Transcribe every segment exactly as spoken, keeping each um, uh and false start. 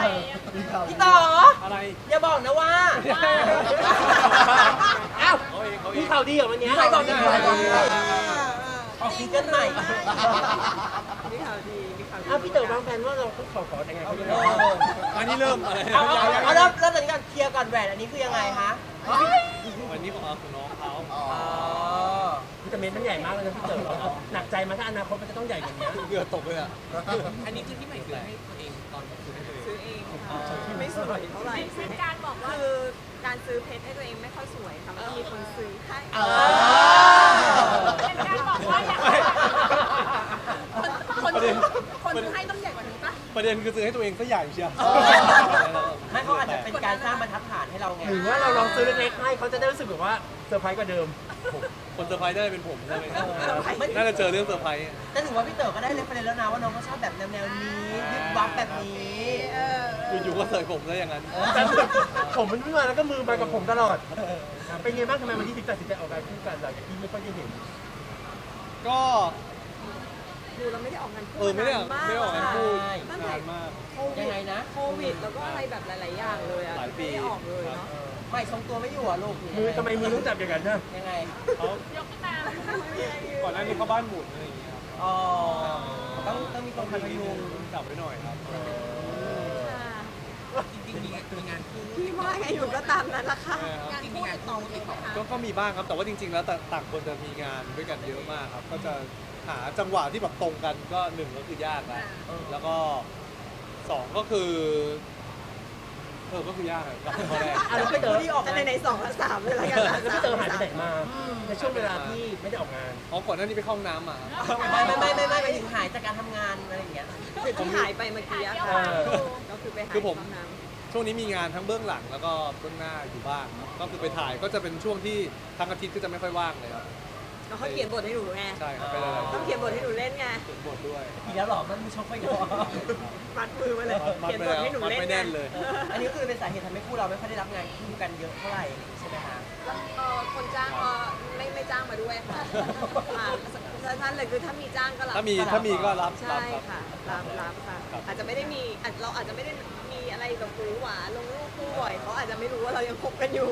พี่ต่ออะไรอย่าบอกนะว่าอ้าวเขาเองเขาเอมีงข่าวดีเหรอวันนี้ใครบอกนะออกซิงเกิลใหม่มีข่าวดีมีข่าวดีอ้าวพี่เต๋อวางแผนว่าเราขอขอแต่งงานเขายังไงเอออันนี้เริ่มอะไรเอาเอาเอาเริ่มเริ่มตอนนี้ก่อนเคลียร์ก่อนแหวนอันนี้คือยังไงคะวันนี้ของเอาของน้องเขาอ๋อวิตามินมันใหญ่มากเลยนะพี่เต๋อเอาหนักใจมาถ้าอนาคตมันจะต้องใหญ่กว่านี้เหงื่อตกเลยอ่ะอันนี้คือที่ใหม่ซื้อให้ตัวเองตอนซื้อให้ตัวเองซื้อเองค่ะไม่สวยเท่าไหร่เป็นการบอกว่าคือการซื้อเพชรให้ตัวเองไม่ค่อยสวยค่ะมันต้องมีคนซื้อให้เออเป็นการบอกว่าอยากคนคนคนซื้อให้ต้องใหญ่กว่านี้ปะประเด็นคือซื้อให้ตัวเองซะใหญ่เชียวไม่เขาอาจจะเป็นการสร้างบรรทัดฐานให้เราไงหรือว่าเราลองซื้อเล็กๆให้เขาจะได้รู้สึกแบบว่าเซอร์ไพรส์กว่าเดิมคนเซอร์ไพรส์ได้เป็นผมใช่ไหมไม่น่าจะเจอเรื่องเซอร์ไพรส์แต่ถือว่าพี่เต๋อก็ได้เรฟเฟรนซ์แล้วนะว่าน้องก็ชอบแบบแนวๆนี้ยึดวับแบบนี้เอออยู่ๆก็เสยผมซะอย่างนั้นแต่ผมมันไม่มาแล้วก็มือมากับผมตลอดเป็นไงบ้างทำไมวันที่ถึงตัดสินใจออกงานคู่กันหลังจากที่ไม่ค่อยได้เห็นก็ดูเราไม่ได้ออกงานคู่เออไม่ได้ออกไม่ได้ออกงานคู่ตั้งแต่นานมากโควิยังดไงนะโควิดแล้วก็อะไรแบบหลาย ๆ อย่างเลยอะหลายปีไม่ได้ออกเลยเนาะไม่ทรงตัวไม่อยู่อ่ะลูกมือทำไมมือต้องจับอย่างนั้นนะยังไงเขายกขึ้นมาก่อนหน้านี้เขาบ้านหมุนอะไรอย่างเงี้ยครับอ๋อต้องต้องมีคนคอยพยุงจับไว้หน่อยครับจริงๆมีมีงานคู่พี่ว่าไงหนูก็ตามนั้นละค่ะจริงๆมีงานคู่ติดต่อก็ก็มีบ้างครับ แต่ว่าจริง ๆ แล้วแต่ต่างคนจะมีงานด้วยกันเยอะมากครับ ก็จะหาจังหวะที่แบบตรงกันก็หนึ่งก็คือยากแล้วแล้วก็สองก็คือเออก็คือยากอะกับข้อแรกอ่ะแล้วพี่เต๋อที่ออกแต่งานในสองกับสามเลยละกันแล้วพี่เต๋อหายไปไหนมาในช่วงเวลาที่ไม่ได้ออกงานอ๋อก่อนหน้านี้ไปเข้าห้องน้ำมาครับไม่ไม่ไม่ไม่ไม่ไปถึงหายจากการทำงานอะไรอย่างเงี้ยที่หายไปเมื่อกี้อะเอค่ะอก็คือไปหาคือผมห้งน้ำช่วงนี้มีงานทั้งเบื้องหลังแล้วก็เบื้องหน้าอยู่บ้างครับก็คือไปถ่ายก็จะเป็นช่วงที่ทั้งอาทิตย์ก็จะไม่ค่อยว่างเลยครับแล้วเขาเขียนบทให้หนูไงใช่ครับไปหลายๆต้องเขียนบทให้หนูเล่นไงเขียนบทด้วยทีแล้วหรอมันมีช็อกไปก่อนมัดมือมาเลยมัดเขียนไปบทแล้วให้หนูมัดเล่นไม่ไงแน่นเลยอันนี้คือเป็นสาเหตุทำให้คู่เราไม่ค่อยได้รับงานคู่กันเยอะเท่าไหร่ใช่ไหมคะเอ่อคนจ้างก็ไม่ไม่จ้างมาด้วยค่ะอ่าสั้นๆเลยคือถ้ามีจ้างก็รับถ้ามีถ้ามีก็รับใช่รับครับค่ะรับรับค่ะครับอาจจะไม่ได้มีอาจเราอาจจะไม่ได้มีอะไรแบบหวือหวาลงรูปคู่บ่อยเขาอาจจะไม่รู้ว่าเรายังคบกันอยู่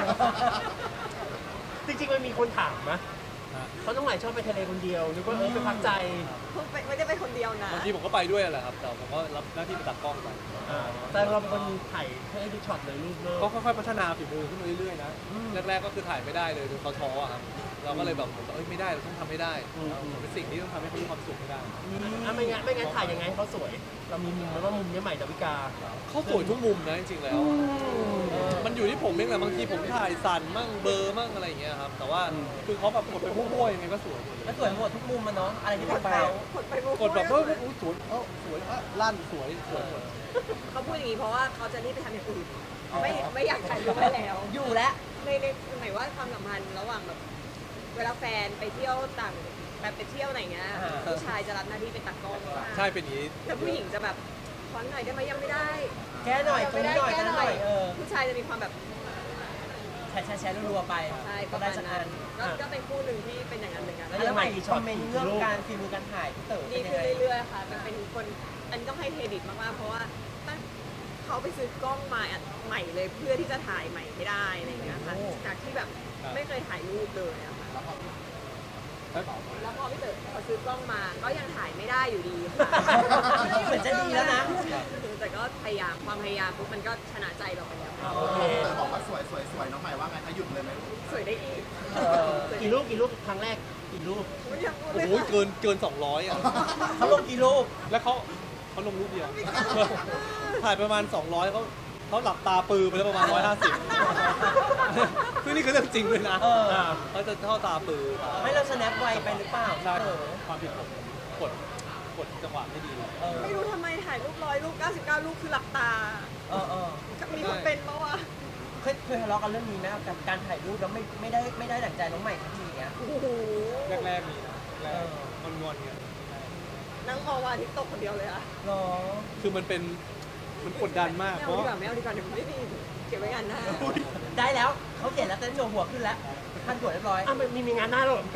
จริงๆมันมีคนถามนะฮะเขาต้องหมายชอบไปทะเลคนเดียวนึกว่าเออไปพักใจไม่ได้ไปคนเดียวนะบางทีผมก็ไปด้วยแหละครับแต่ผมก็รับหน้าที่ไปตัดกล้องไปอ่าแต่เราเป็นคนถ่ายให้ดูช็อตเลยรูปเลิกก็ค่อยๆพัฒนาฝีมือขึ้นมาเรื่อยๆนะแรกๆก็คือถ่ายไม่ได้เลยจนเขาท้ออะครับเราก็เลยแบบผมเอ้ยไม่ได้เราต้องทำให้ได้เป็นสิ่งที่ต้องทำให้เขามีความสุขให้ได้อ่ะไม่งั้นไม่งั้นถ่ายยังไงให้เขาสวย เรามีมุมไหมว่ามุมเนี้ยใหม่ดาวิกาเขาสวยทุกมุมนะจริงๆแล้ว มันอยู่ที่ผมเองแหละบางทีผมถ่ายสั่นมั่งเบลอร์มั่งอะไรอย่างเงี้ยครับ แต่ว่าคือเขาแบบกดไปพุ่งๆยังไงก็สวยหมดเลยแล้วสวยหมดทุกมุมมันเนาะอะไรที่เป็นเขากดไปมุกกดแบบเฮ้ยอุ้ยสวยเอ้าสวยอ่ะลั่นสวยสวยหมดเขาพูดอย่างนี้เพราะว่าเขาจะรีบไปทำอย่างอื่นไม่ไม่อยากถ่ายรูปให้แล้วอยู่แล้วในในหมายว่าความสัมพันธ์ระหว่างแบบเวลาแฟนไปเที่ยวต่างแบบไปเที่ยวไหนเงี้ยผู้ชายจะรับหน้าที่เป็นตากล้องใช่เป็นอย่างนี้แล้วผู้หญิงจะแบบขอหน่อยได้ไหมยังไม่ได้แก้หน่อยตรงไม่นี้ได้หน่อยแก้นั้นหหน่น่ออย ยเออผู้ชายจะมีความแบบแชร์แชร์แชร์รัวๆไปใช่ปก็ระได้มาณสักนั้อันนก็ก็เป็นคู่หนึ่งที่เป็นอย่างนั้นเหมือนกันแล้วใหม่คอมเมนต์เรื่องการฝีมือการถ่ายพี่เต๋อดีเป็นยังขึ้นไงเรื่อยๆค่ะแต่เป็นคนอันนี้ต้องให้เครดิตมากๆเพราะว่าตั้งเขาไปซื้อกล้องมาใหม่เลยเพื่อที่จะถ่ายใหม่ให้ได้อะไรอย่างเงี้ยค่ะจากที่แบบไม่เคยถ่ายรูปเลยอะค่ะ แล้วพอพี่เต๋อพอซื้อกล้องมาก็ยังถ่ายไม่ได้อยู่ดีค่ะเหมือนจะดีแล้วนะแต่ก็พยายามความพยายามปุ๊บมันก็ชนะใจเราไปแล้วโอเคเต๋อบอกว่าสวยสวยสวยน้องใหม่ว่าไงคะหยุดเลยไหมสวยได้อีกเออกี่รูปกี่รูปครั้งแรกกี่รูปไม่อยากพูดโอ้เลยโหเกินเกินสองร้อยอ่ะเขาลงกี่รูปแล้วเขาเขาลงรูปเดียว ถ่ายประมาณสองร้อยเขาเขาหลับตาปือไปแล้วประมาณหนึ่งร้อยห้าสิบคือนี่คือเรื่องจริงเลยนะเออเขาจะเข้าตาปือไม่เราสแนปไวไปหรือเปล่าใช่เต๋อความผิดผมกดกดจังหวะไม่ดีเออไม่รู้ทำไมถ่ายรูปร้อยรูปเก้าสิบเก้ารูปคือหลับตาเออเออมีคนเป็นปะวะเคยเคยทะเลาะกันเรื่องนี้ไหมกับการถ่ายรูปแล้วไม่ไม่ได้ไม่ได้ดั่งใจน้องใหม่ทันทีเนี้ยโอ้โหแรกๆมีนะแรกงอนงอนๆเงี้ยนั่งมองวันอาทิตย์ตกคนเดียวเลยอะหรอคือมันเป็นมันกดดันมากไม่เพเอาราะดีกว่าไม่เอาดีกว่าเดี๋ยวไม่ดีเก็บไว้งานหน้าได้แล้วเขาเขียนแล้วเต้นโชว์หัวขึ้นแล้วพันหัวเรียบร้อยอ้าวมันมีมีงานหน้าแล้วเหรอพี่ก้าว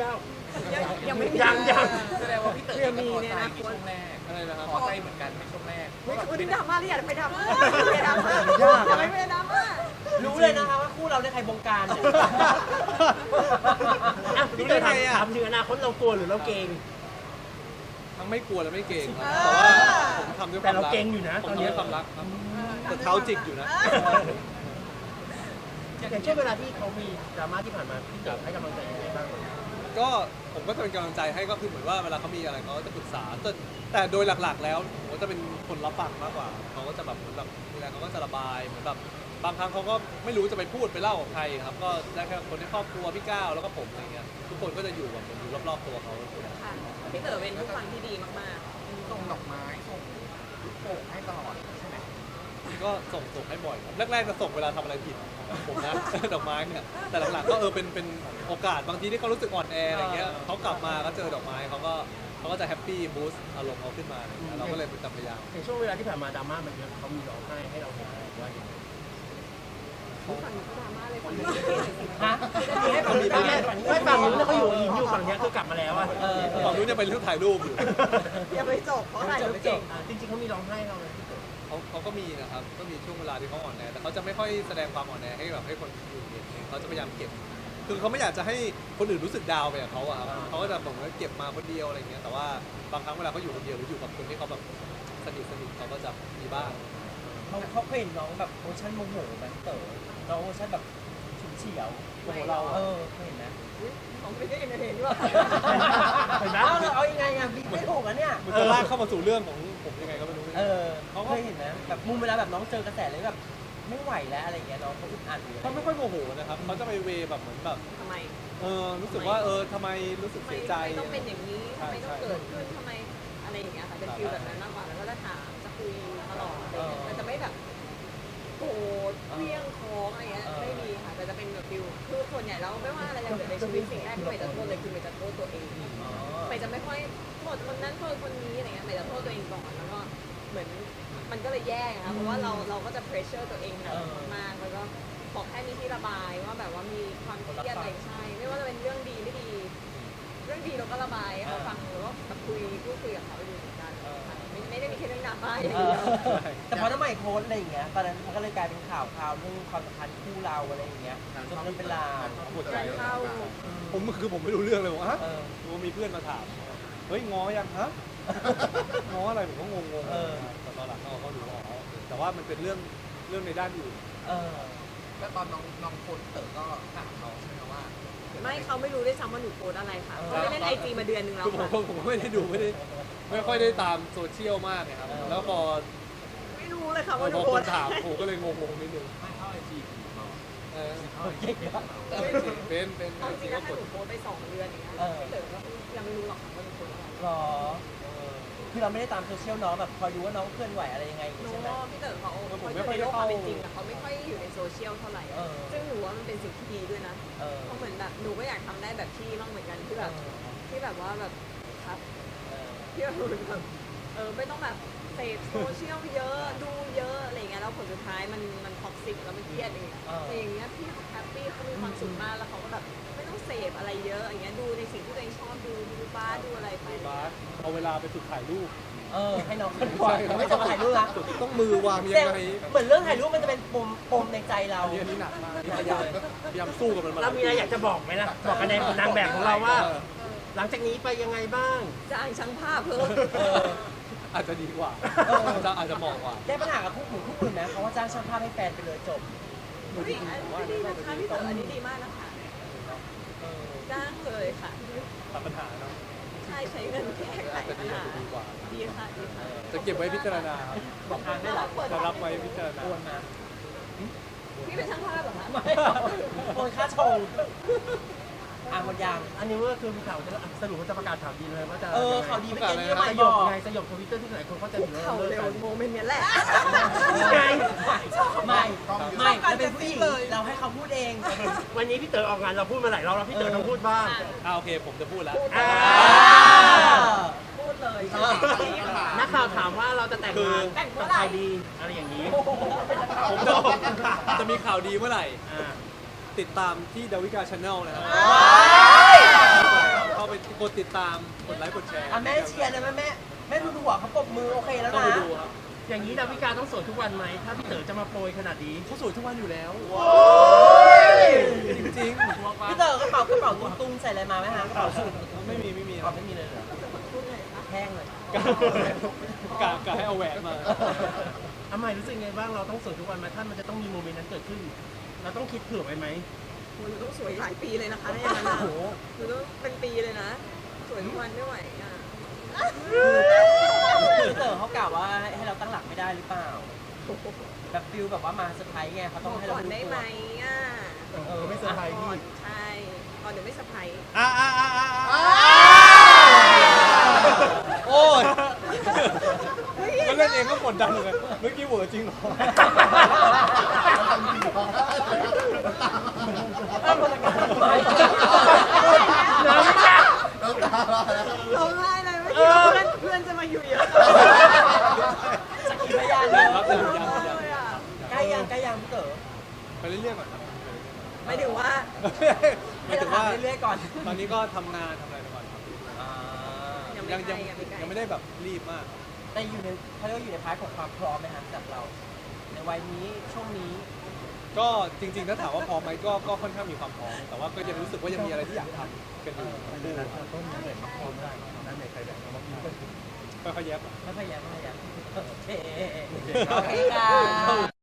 ยังยังไม่มียังยังแสดงว่าพี่เต๋อเรื่องก็มีพอเนี่ยใจนะในช่วงแรกอะไรนะครับพอใจเหมือนกันในช่วงแรกไม่คือดราม่าที่อยากไปดราม่าไม่ดราม่าอย่าไม่ไปดราม่ารู้เลยนะคะว่าคู่เราได้ใครบงการเนี่ยอ่ะพี่เต๋อถามถามถึงอนาคตเรากลัวหรือเราเกรงทั้งไม่กลัวและไม่เก่งครับแต่ว่าผมทำด้วยคแต่วามเรารักเกรงอยู่นะผตมอนทำนี้ด้วยความรักครับแต่เท้าจิกอยู่นะอย่างช่วงเวลาที่เขามีดราม่าที่ผ่านมาพี่เต๋อให้กำลังใจยังไงบ้างก็ผมก็จะเป็นกำลังใจให้ก็คือเหมือนว่าเวลาเขามีอะไรเขาก็จะปรึกษาแต่แต่โดยหลักๆ แล้วผมก็จะเป็นคนรับฟังมากกว่าเขาก็จะแบบเหมือนแบบมีอะไรเขาก็จะระบายเหมือนแบบบางครั้งเขาก็ไม่รู้จะไปพูดไปเล่ากับใครครับก็ได้แค่คนในครอบครัวพี่ก้าวแล้วก็ผมอะไรเงี้ยทุกคนก็จะอยู่แบบเหมือนอยู่รอบๆตัวเขาค่ะพี่เต๋อเป็นผู้ฟังที่ดีมากส่งดอกไม้ส่งลูกโป่งให้ตลอดใช่ไหมก็ส่งส่งให้บ่อยครับแรกๆจะส่งเวลาทำอะไรผิดผมนะ ดอกไม้เนี่ยแต่หลังๆก็เออเป็นเป็นโอกาสบางทีที่เขารู้สึกอ่อนแออะไรเงี้ยเขากลับมาก็เจอดอกไม้เขาก็เขาก็จะแฮปปี้บูสต์อารมณ์เขาขึ้นมาอะไรเงี้ยเราก็เลยเป็นพยายามในช่วงเวลาที่ผ่านมาดราม่ามันเยอะเขามีร้องไห้ให้เราเห็นไหมว่าอย่างไรๆผู้ฟังก็ดราม่าเลยคนนี้ฮะให้ผมมีบ้างไหมไม่ฝั่งนู้นเขาอยู่หินอยู่ฝั่งนี้คือกลับมาแล้วอ่ะเออฝั่งนู้นจะเป็นเรื่องถ่ายรูปอยู่อย่าไปจบเพราะถ่ายรูปเก่งอ่าจริงๆเขามีร้องไห้เราเลยพี่เต๋อเขาเขาก็มีนะครับ ก็มีช่วงเวลาที่เขาอ่อนแอ แต่เขาจะไม่ค่อยแสดงความอ่อนแอให้แบบให้คนอื่นเห็นเองเขาจะพยายามเก็บ คือเขาไม่อยากจะให้คนอื่นรู้สึกดาวน์ไปกับเขาอะครับเขาก็จะบอกว่าเก็บมาคนเดียวอะไรเงี้ย แต่ว่าบางครั้งเวลาเขาอยู่คนเดียวหรืออยู่กับคนที่เขาแบบสนิทสนิทเขาก็จะมีบ้างเขาเขาเคยเห็นน้องแบบโอชั่นโมโหไหมเต๋อน้องโอชั่นแบบฉุนเฉียวโมโหเราเออเคยเห็นไหมของไม่ได้ยินเห็นด้วยเห็นไหมเอาเลยเอายังไงอ่ะบิ๊กไม่ถูกอ่ะเนี่ยมันจะลากเข้ามาสู่เรื่องของผมยังไงก็ไม่รู้เออเขาเคยเห็นนะแบบมุมเวลาแบบน้องเจอกระแสเลยแบบไม่ไหวแล้วอะไรเงี้ยน้องเขาอึดอัดอยู่เขาไม่ค่อยโมโหนะครับเขาจะไปเวแบบเหมือนแบบทำไมเออรู้สึกว่าเออทำไมรู้สึกทำไมเสียใจทำไมต้องเป็นอย่างนี้ทำไมต้องเกิดขึ้นทำไมอะไรอย่างเงี้ยค่ะเป็นฟิลแบบนั้นมากกว่าแล้วก็จะถามจะคุยตลอดอะไรเงี้ยมันจะไม่แบบโกรธเพี้ยงท้องอะไรเงี้ยไม่มีค่ะแต่จะเป็นแบบฟิลคือส่วนใหญ่แล้วไม่ว่าอะไรจะเกิดในชีวิตสิ่งแรกที่ไม่จะโทษเลยคือไม่จะโทษตัวเอง ไม่จะไม่ค่อยโทษคนนั้นโทษคนนี้อะไรเงี้ยไม่จะโทษตัวเองก่อนแล้วก็เหมือนมันก็เลยแย่ไงคะเพราะว่าเราเราก็จะเพรสเชอร์ตัวเองหนักมากๆแล้วก็ขอแค่มีที่ระบายว่าแบบว่ามีความเครียดอะไรใช่ ไม่ว่าจะเป็นเรื่องดีไม่ดี เรื่องดีเราก็ระบายให้เขาฟังหรือว่าแบบคุยพูดคุยกับเขาอยู่เหมือนกันค่ะไม่ไม่ได้มีแค่เรื่องดราม่าอย่างเอเดีอยวแต่พอน้ำใหม่โพสต์อะไรอย่างเงี้ยตอนนั้นมันก็เลยกลายเป็นข่าวข่าวเรื่องความสัมพันธ์คู่เราอะไรอย่างเงี้ยจนเรื่องเป็นราวปวดใจการเข้าผมคือผมไม่รู้เรื่องเลยว่าฮะเออรู้ว่ามีเพื่อนมาถามเฮ้ยง้อยังฮะ ง้ออะไรผมก็งงๆเออแต่ตอนหลังเขาก็รู้อ๋อแต่ว่ามันเป็นเรื่องเรื่องในด้านอื่นเออแล้วตอนน้องน้องโพสต์เต๋อก็ถามน้องใช่ไหมว่าไม่เขาไม่รู้ด้วยซ้ำว่าหนูโพสต์อะไรค่ะเขาไม่เล่นไอจีมาเดือนนึงแล้วคือผมค่ะก็ผมก็ไม่ได้ดูไม่ได้ไม่ค่อยได้ตามโซเชียลมากนะครับเออแล้วพอไม่รู้เลยค่ะพว่าหนูอโพคสนต์ถามอะไรผมก็เลยงงๆนิดนึงไม่เข้าไอจีของเราเออเก่งอะเป็นเป็นเอาจจริริงงๆก็ถ้ากดหนูโพสต์ไปสองเดือนอย่างเงี้ยเออพี่เต๋อก็ยังไม่รู้หรอกค่ะว่าหนูโพสต์อะไรหรอเออคือเราไม่ได้ตามโซเชียลน้องแบบคอยดูว่าน้องเคลื่อนไหวอะไรยังไงอย่างหนูงี้ใช่ไหมว่าพี่เต๋อเขาเขาอยู่ในโลกความเป็นจริงแต่เขาไม่ค่อยอยู่ในโซเชียลเท่าไหร่เออซึ่งหนูว่ามันเป็นสิ่งที่ดีด้วยนะเออเพราะเหมือนแบบหนูก็อยากทำได้แบบพี่บ้างเหมือนกันที่แบบที่แบบว่าแบบครับเออที่แบบเหมือนแบบเออไม่ต้องแบบเสพโซเชียลเยอะดูเยอะอะไรอย่างเงี้ยแล้วผลสุดท้ายมันมันท็อกซิกแล้วมันเครียดอย่างเงี้ยแต่อย่างเงี้ยพี่แฮปปี้เขามีความสุขมากแล้วเขาก็แบบไม่ต้องเสพอะไรเยอะอย่างเงี้ยดูในสิ่งที่ตัวเองชอบดูดูบ้าสดูอะไรไปบาสเอาเวลาไปฝึกถ่ายรูปเออให้น้องเคลื่อนไหวไม่จะมาถ่ายรูปนะต้องมือวางยังไงเหมือนเรื่องถ่ายรูปมันจะเป็นปมปมในใจเราอันนี้อันนี้หนักมากนี่พยายามพยายามสู้กับมันมาเรามีอะไรอยากจะบอกไหมล่ะบอกกับนางแบบของเราว่า หลังจากนี้ไปยังไงบ้างจ้างช่างภาพเพิ่มเอออาจจะดีกว่าเออจะอาจจะเหมาะกว่าได้ปัญหากับคู่หมู่คู่อื่นนะเขาว่าจ้างช่างภาพให้แฟนไปเลยจบเฮ้ยอันนี้ดีนะคะพี่เต๋ออันนี้ดีมากนะคะเออจ้างเลยค่ะตัดปัญหาเนาะใช่ใช้เงินแก้ไขอาจจะปัดีญอาจหาจะดีกว่าดีค่ะดีค่ะจะเก็บไว้พิจารณาครับบอกทางได้หรอจะรับไว้พิจารณาโอนมาพี่เป็นช่างภาพเหรอคะไม่โอนค่าชงอ่ะหมดยังอันนี้ก็คือมีข่าวจะสรุปว่าจะประกาศข่าวดีเลยว่าจะเออข่าวดีไม่เกินที่ใหม่สบยอบ กไงสยบทวิตเตอร์ที่หลายคนเขาใจะถึงเข่าเลิกเร็วกันโมเมนต์เนี้ยแหละไงไม่ไม่เราเป็นผู้หญิงเราให้เขาพูดเองวันนี้พี่เต๋อออกงานเราพูดมาหลายรอบแล้วพี่เต๋อต้องพูดบ้างอ่าโอเคผมจะพูดแล้วอ่าพูดเลยนักข่าวถามว่าเราจะแต่งงานแต่งเมื่กัอบ ไหร่ใครดีอะไรอย่างนี้ผมจะจะมีข่าวดีเมื่อไหร่อ่าติดตามที่ดาวิกาชาแนลนะครับเข้าไปกดติดตามกดไลค์กดแชร์อ่ะแม่เชียร์เลยแม่แม่แม่ดูหัวเขาปรบมือโอเคแล้วต้องนะไปดูครับอย่างนี้ดาวิกาต้องโสดทุกวันไหมถ้าพี่เต๋อจะมาโปรยขนาดนี้เขาสวยทุกวันอยู่แล้วยจริงพี่เต๋อกระเป๋ากระเป๋าตุ้งๆใส่อะไรมาไหมฮะกระเป๋าสุดๆไม่มีไม่มีกระเป๋าไม่มีเลยเหรอแห้งเลยกะกะให้เอาแหวนมาอาใหม่รู้สึกไงบ้างเราต้องโสดทุกวันไหมถ้ามันจะต้องมีโมเมนต์นั้นเกิดขึ้น เราต้องคิดเผื่อไว้ไหมหนูต้องสวยหลายปีเลยนะคะถ้าอย่างนั้นโอ้อะโหหนูต้องเป็นปีเลยนะ สวยทุกวันไม่ไหวอ่ะพี่เต๋อเขากล่าวว่าให้เราตั้งหลักไม่ได้หรือเปล่าแบบฟิลแบบว่ามาเซอร์ไพรส์ไงเขาต้องให้ก่เราอนรู้ได้ตัไหมวอ่ะเออไม่เซอร์ไพรส์ก่อพี่นใช่ก่อนเดี๋ยวไม่เซอร์ไพรส์อ่าอ่าอ่าอ่าโอ้ยมันเล่นเองก็กดดันเลยเมื่อกี้เวอร์จริงเหรอดาวิการ้องไห้เลยไม่คิดว่าเพื่อนเพื่อนจะมาอยู่เยอะสักขีพยานยัเลยงครับยังยังยังเลยอ่ะใกล้ยังใกล้ยังพี่เต๋อไปเรื่อยๆก่อนครับไม่ถึงว่าหมายถึงว่าเรื่อยๆก่อนตอนนี้ก็ทำงานทำอะไรไปก่อนครับอ่ายังไม่ยังใกยัล้งยังไม่ใกล้ยังไม่ได้แบบรีบมากแต่อยู่ในเขาเรียกว่าอยู่ในพาร์ทของความพร้อมไหมครับจากเรา ในวัยนี้ช่วงนี้ก็จริงๆถ้าถามว่าพร้อมไหมก็ก็ค่อนข้างมีความพร้อมแต่ว่าก็ยังรู้สึกว่ายังมีอะไรที่อยากทำกันอยู่ต้นนี้เลยมาพร้อมได้ด้านในใครแบบเอามาพูดกันค่อยๆแยบไม่พยายามไม่พยายามโอเคโอเคค่ะ